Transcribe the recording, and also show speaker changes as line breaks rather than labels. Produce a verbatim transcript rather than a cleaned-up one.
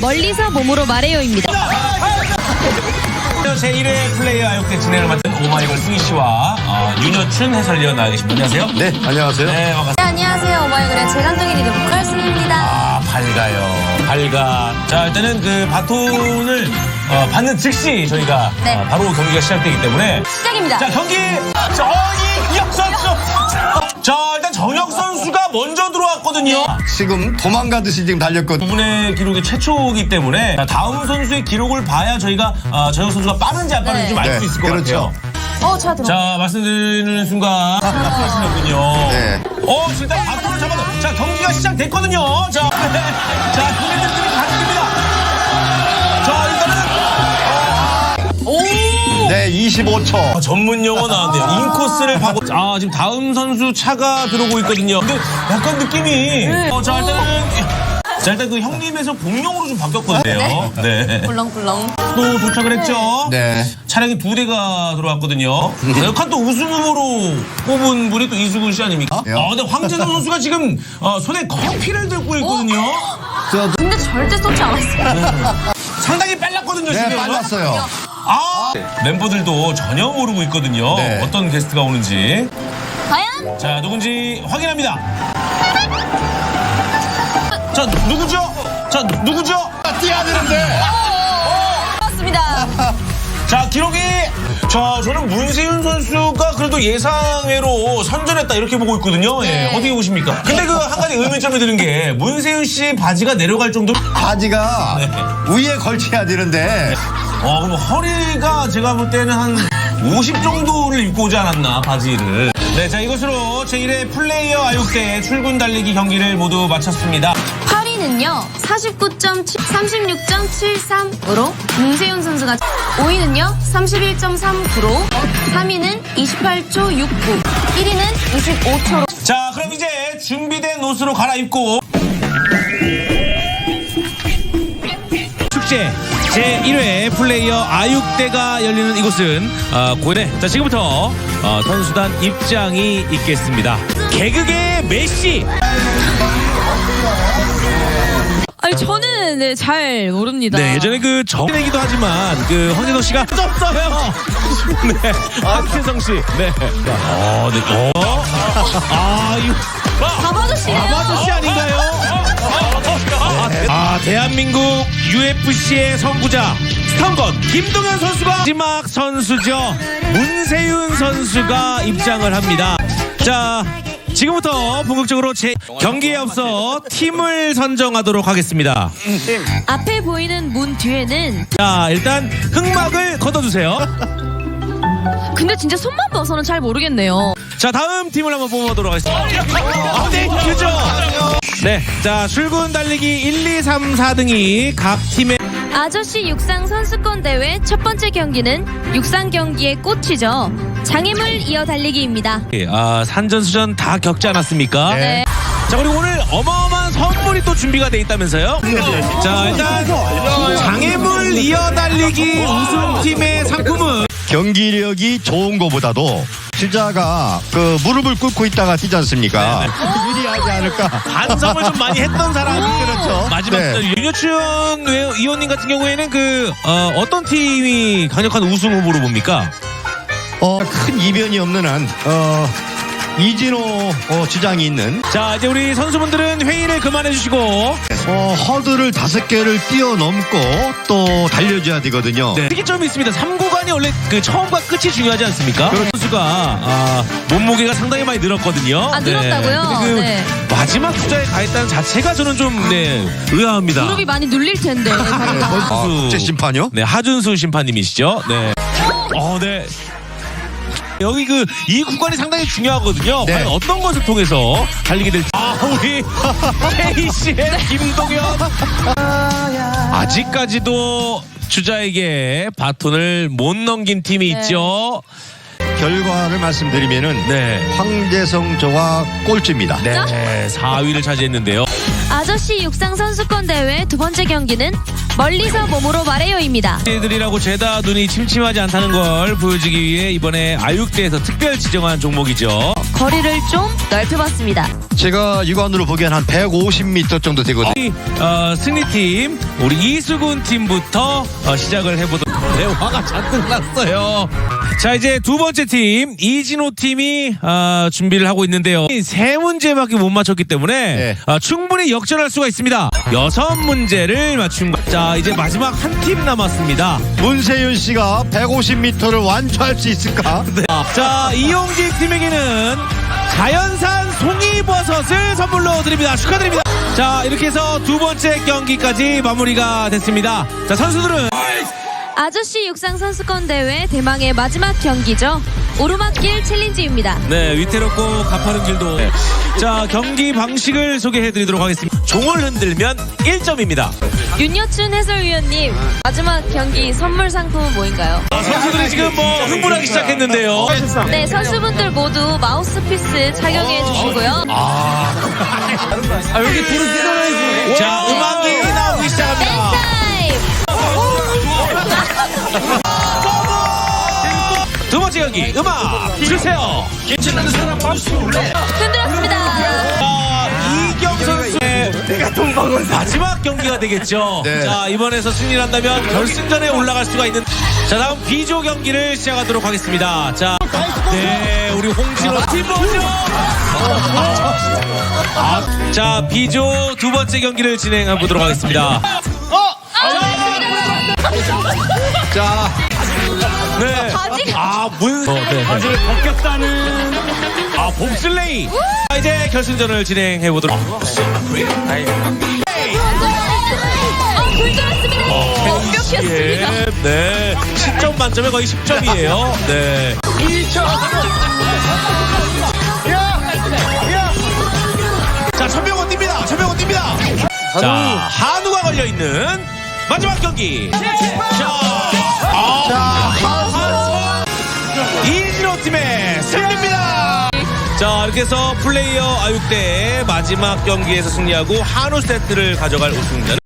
멀리서 몸으로 말해요입니다.
제일 회 플레이어 아육대 진행을 맡은 오마이걸 승희 씨와 어, 윤여춘 해설위원 나와 계십니다. 안녕하세요.
네, 안녕하세요.
네, 반갑습니다.
네, 안녕하세요. 오마이걸의 재간둥이 리더 보컬 승희입니다.
아, 밝아요. 밝아. 자, 일단은 그 바톤을 어, 받는 즉시 저희가
네.
어, 바로 경기가 시작되기 때문에
시작입니다.
자, 경기 정혁 선수. 자, 일단 정혁 선수가 먼저 들어왔거든요.
지금 도망가듯이 지금 달렸거든요.
두 분의 기록이 최초이기 때문에 자, 다음 선수의 기록을 봐야 저희가 어, 정혁 선수가 빠른지 안 빠른지
네.
좀 알 수
네,
있을 것
그렇죠.
같아요.
어, 제가 들어.
자, 말씀드리는 순간 하시는군요.
네.
어, 일단 바톤을 잡아서 자, 경기가 시작됐거든요. 자, 자, 국민들끼리 가득입니다. 자, 일단은 오!
네, 이십오 초.
아, 전문 용어 나왔네요. 인코스를 파고. 아, 지금 다음 선수 차가 들어오고 있거든요. 근데 약간 느낌이. 어, 자, 일단은. 자, 일단 그 형님에서 공룡으로 좀 바뀌었거든요. 네.
꿀렁꿀렁.
또 도착을 했죠.
네.
차량이 두 대가 들어왔거든요. 역한 또 우승 후보로 뽑은 분이 또 이수근 씨 아닙니까?
어?
아, 근데 황재성 선수가 지금 어, 손에 커피를 들고 있거든요.
저,
근데 절대 쏟지 않았어요.
상당히 빨랐거든요,
네,
지금.
빨랐어요.
아, 멤버들도 전혀 모르고 있거든요.
네.
어떤 게스트가 오는지.
과연?
자, 누군지 확인합니다. 자, 누구죠? 자, 누구죠?
뛰어야 되는데.
맞습니다.
자, 기록이 자, 저는 문세윤 선수가 그래도 예상외로 선전했다 이렇게 보고 있거든요.
네.
예, 어떻게 보십니까? 근데 그 한 가지 의문점이 드는 게 문세윤 씨 바지가 내려갈 정도로
바지가
네.
위에 걸쳐야 되는데.
어, 그럼 허리가 제가 볼 때는 한 오십 정도를 입고 오지 않았나, 바지를. 네, 자, 이것으로 제일 회 플레이어 아육대 출근 달리기 경기를 모두 마쳤습니다.
팔 위는요, 사십구 점 삼십육 점 칠삼으로 문세윤 선수가, 오 위는요, 삼십일 점 삼구로, 삼 위는 이십팔 초 육구, 일 위는 이십오 초로.
자, 그럼 이제 준비된 옷으로 갈아입고 축제 제일 회 플레이어 아육대가 열리는 이곳은 어, 고대. 자, 지금부터 어, 선수단 입장이 있겠습니다. 개그계 메시.
아니, 저는 네, 잘 모릅니다.
네, 예전에 그 정이기도 하지만 그 황재성 씨가 없어요. 네, 박혜성 씨. 네. 어, 네. 어. 아, 이거
바바저씨예요.
아저씨 아닌가요? 아, 대한민국 유에프씨의 선구자 스턴건 김동현 선수가 마지막 선수죠. 문세윤 선수가 입장을 합니다. 자, 지금부터 본격적으로 제 경기에 앞서 팀을 선정하도록 하겠습니다.
앞에 보이는 문 뒤에는,
자, 일단 흑막을 걷어주세요.
근데 진짜 손만 봐서는 잘 모르겠네요.
자, 다음 팀을 한번 뽑아보도록 하겠습니다. 아, 네, 그죠? 네, 자, 출근 달리기 일, 이, 삼, 사 등이 각 팀의
아저씨 육상 선수권 대회 첫 번째 경기는 육상 경기의 꽃이죠. 장애물 이어 달리기입니다.
아, 산전수전 다 겪지 않았습니까?
네.
자, 그리고 오늘 어마어마한 선물이 또 준비가 돼 있다면서요? 자, 일단 장애물 이어 달리기 우승팀의 상품은
경기력이 좋은 거보다도 시자가 그 무릎을 꿇고 있다가 뛰지 않습니까? 유리하지 않을까?
반성을 좀 많이 했던 사람이
그렇죠.
마지막
네.
네. 윤여춘 의원님 같은 경우에는 그 어, 어떤 팀이 강력한 우승 후보로 봅니까?
어, 큰 이변이 없는 한, 어, 이진호 어, 주장이 있는
자, 이제 우리 선수분들은 회의를 그만해 주시고
어, 허들을 다섯 개를 뛰어넘고 또 달려줘야 되거든요.
네. 특이점이 있습니다. 삼 구간이 원래 그 처음과 끝이 중요하지 않습니까?
그렇죠.
선수가 아, 몸무게가 상당히 많이 늘었거든요.
아, 늘었다고요?
네. 근데 그
네.
마지막 투자에 가했다는 자체가 저는 좀 네, 의아합니다.
무릎이 많이 눌릴 텐데. 다리가.
아, 국제 심판이요?
네, 하준수 심판님이시죠. 네. 어, 네. 여기 그 이 구간이 상당히 중요하거든요.
네.
과연 어떤 것을 통해서 달리게 될지. 아, 우리 케이씨의 김동현. 아직까지도 주자에게 바톤을 못 넘긴 팀이
네.
있죠.
결과를 말씀드리면은
네.
황재성 저와 꼴찌입니다.
네, 사 위를 차지했는데요.
아저씨 육상 선수권 대회 두 번째 경기는 멀리서 몸으로 말해요입니다.
애들이라고 죄다 눈이 침침하지 않다는 걸 보여주기 위해 이번에 아육대에서 특별 지정한 종목이죠.
거리를 좀 넓혀봤습니다.
제가 육안으로 보기엔 한 백오십 미터 정도 되거든요.
우리 어, 승리팀 우리 이수근 팀부터 어, 시작을 해보도록. 네, 화가 잔뜩 났어요. 자, 이제 두 번째 팀 이진호 팀이 어, 준비를 하고 있는데요. 세 문제밖에 못 맞췄기 때문에
네.
어, 충분히 역전할 수가 있습니다. 여섯 문제를 맞춘 거. 자, 이제 마지막 한 팀 남았습니다.
문세윤 씨가 백오십 미터를 완주할 수 있을까?
네. 자, 이용진 팀에게는 자연산 송이버섯을 선물로 드립니다. 축하드립니다. 자, 이렇게 해서 두 번째 경기까지 마무리가 됐습니다. 자, 선수들은
아저씨 육상 선수권 대회 대망의 마지막 경기죠. 오르막길 챌린지입니다.
네, 위태롭고 가파른 길도. 네. 자, 경기 방식을 소개해드리도록 하겠습니다. 종을 흔들면 일 점입니다.
윤여춘 해설위원님, 마지막 경기 선물 상품은 뭐인가요?
아, 선수들이 지금 뭐 흥분하기 시작했는데요.
네, 선수분들 모두 마우스피스 착용해 주시고요.
아, 여기 불을 뜯어내야지. 자, 음악이 나오기 시작합니다.
타임!
두 번째 경기, 음악 주세요.
흔들었습니다.
아, 이경 선수의 마지막 경기가 되겠죠.
네.
자, 이번에서 승리를 한다면 결승전에 올라갈 수가 있는. 자, 다음 B조 경기를 시작하도록 하겠습니다. 자, 네, 우리 홍진호 팀 먼저. 아, 자, B조 두 번째 경기를 진행해 보도록 하겠습니다.
자,
네. 아, 문. 어, 네, 바지를 벗겼다는. 아, 봅슬레이. 자, 이제 결승전을 진행해 보도록.
아, 굴절했습니다. 완벽했습니다.
예, 네. 십 점 만점에 거의 십 점이에요. 네. 자, 천명원 뜁니다. 천명원 뜁니다. 자, 한우가 걸려있는 마지막 경기. 자, 아, 이진호 팀의 승리입니다. 자, 이렇게 해서 플레이어 아육대의 마지막 경기에서 승리하고 한우 세트를 가져갈 우승자는